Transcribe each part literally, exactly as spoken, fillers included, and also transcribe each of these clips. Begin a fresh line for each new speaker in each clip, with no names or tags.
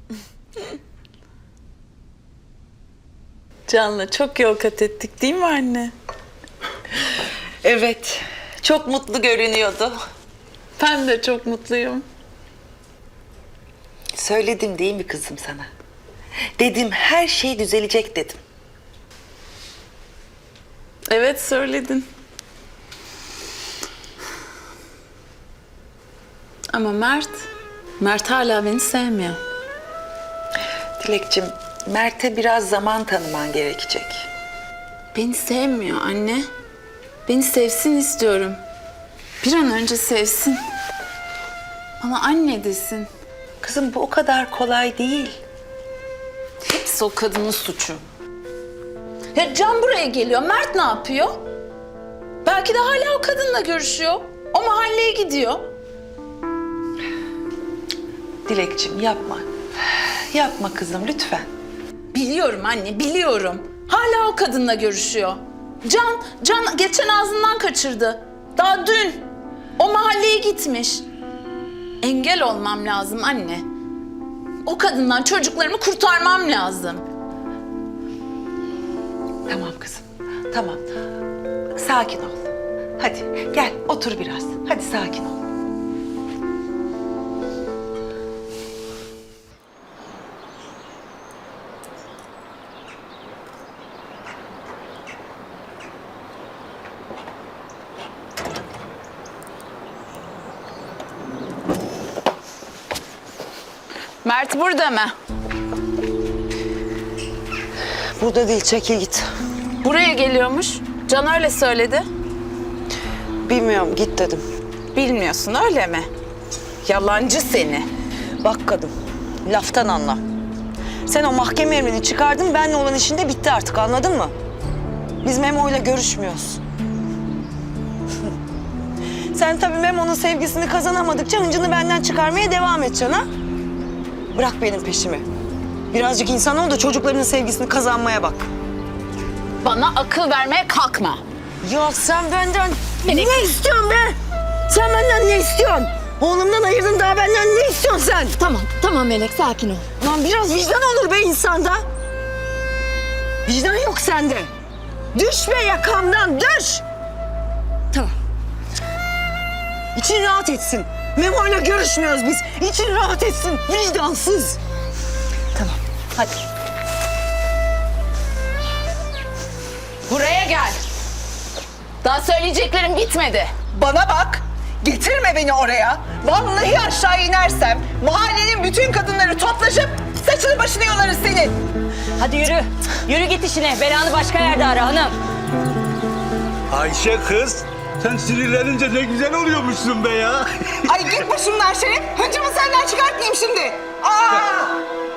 Can'la çok yol kat ettik değil mi anne?
Evet, çok mutlu görünüyordu.
Ben de çok mutluyum.
Söyledim değil mi kızım sana? Dedim her şey düzelecek dedim.
Evet söyledin. Ama Mert, Mert hala beni sevmiyor.
Dilekçim, Mert'e biraz zaman tanıman gerekecek.
Beni sevmiyor anne. Beni sevsin istiyorum. Bir an önce sevsin. Bana anne desin.
Kızım bu o kadar kolay değil.
Hepsi o kadının suçu. Ya Can buraya geliyor. Mert ne yapıyor? Belki de hala o kadınla görüşüyor. O mahalleye gidiyor.
Dilekçim yapma. Yapma kızım lütfen.
Biliyorum anne, biliyorum. Hala o kadınla görüşüyor. Can, Can geçen ağzından kaçırdı. Daha dün. O mahalleye gitmiş. Engel olmam lazım anne. O kadından çocuklarımı kurtarmam lazım.
Tamam kızım, tamam. Sakin ol. Hadi gel otur biraz. Hadi sakin ol.
Mert burada mı?
Burada değil, çekil git.
Buraya geliyormuş. Can öyle söyledi.
Bilmiyorum, git dedim.
Bilmiyorsun öyle mi? Yalancı seni.
Bak kadın, laftan anla. Sen o mahkeme emrini çıkardın, benle olan işin de bitti artık, anladın mı? Biz Memo'yla görüşmüyoruz. Sen tabii Memo'nun sevgisini kazanamadıkça hıncını benden çıkarmaya devam edeceksin ha? Bırak benim peşimi. Birazcık insan ol da çocuklarının sevgisini kazanmaya bak.
Bana akıl vermeye kalkma.
Ya sen benden ne istiyorsun be? Sen benden ne istiyorsun? Oğlumdan ayırdın, daha benden ne istiyorsun sen?
Tamam, tamam Melek, sakin ol.
Lan biraz vicdan olur be insanda. Vicdan yok sende. Düş be yakamdan, düş.
Tamam.
İçin rahat etsin. Memo'yla görüşmüyoruz biz. İçin rahat etsin, vicdansız.
Tamam, hadi.
Buraya gel. Daha söyleyeceklerim bitmedi.
Bana bak, getirme beni oraya. Vallahi aşağı inersem mahallenin bütün kadınları toplaşıp saçını başını yolarız senin.
Hadi yürü. Yürü git işine. Belanı başka yerde ara hanım.
Ayşe kız, sen sinirlenince ne güzel oluyormuşsun be ya.
Ay git başımdan Şerif, hıncımı senden çıkartmayayım şimdi. Aa!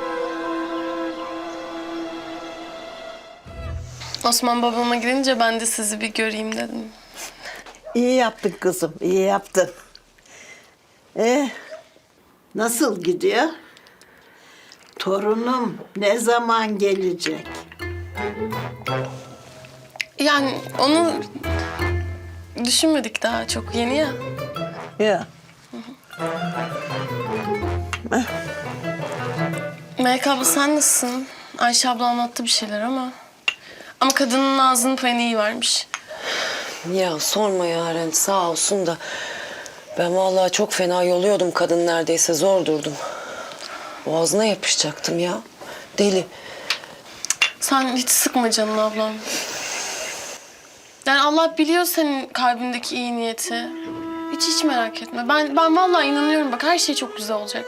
Osman babama gidince ben de sizi bir göreyim dedim.
İyi yaptın kızım, iyi yaptın. Ee, nasıl gidiyor? Torunum ne zaman gelecek?
Yani onu düşünmedik daha, çok yeni ya.
Ya.
Melek abla sen nasılsın? Ayşe abla anlattı bir şeyler ama... Ama kadının ağzının payını iyi vermiş.
Ya sorma Yaren, sağ olsun da... Ben vallahi çok fena yoluyordum, kadın neredeyse zor durdum. Boğazına yapışacaktım ya. Deli.
Sen hiç sıkma canını ablam. Yani Allah biliyor senin kalbindeki iyi niyeti. Hiç hiç merak etme. Ben ben vallahi inanıyorum, bak her şey çok güzel olacak.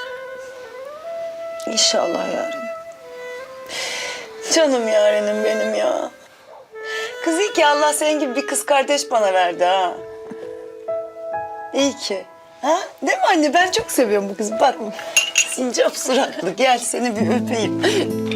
İnşallah Yaren. Canım Yaren'im benim ya. Kız iyi ki Allah senin gibi bir kız kardeş bana verdi ha. İyi ki. Ha? Değil mi anne? Ben çok seviyorum bu kızı. Bak sincap suratlı. Gel seni bir öpeyim.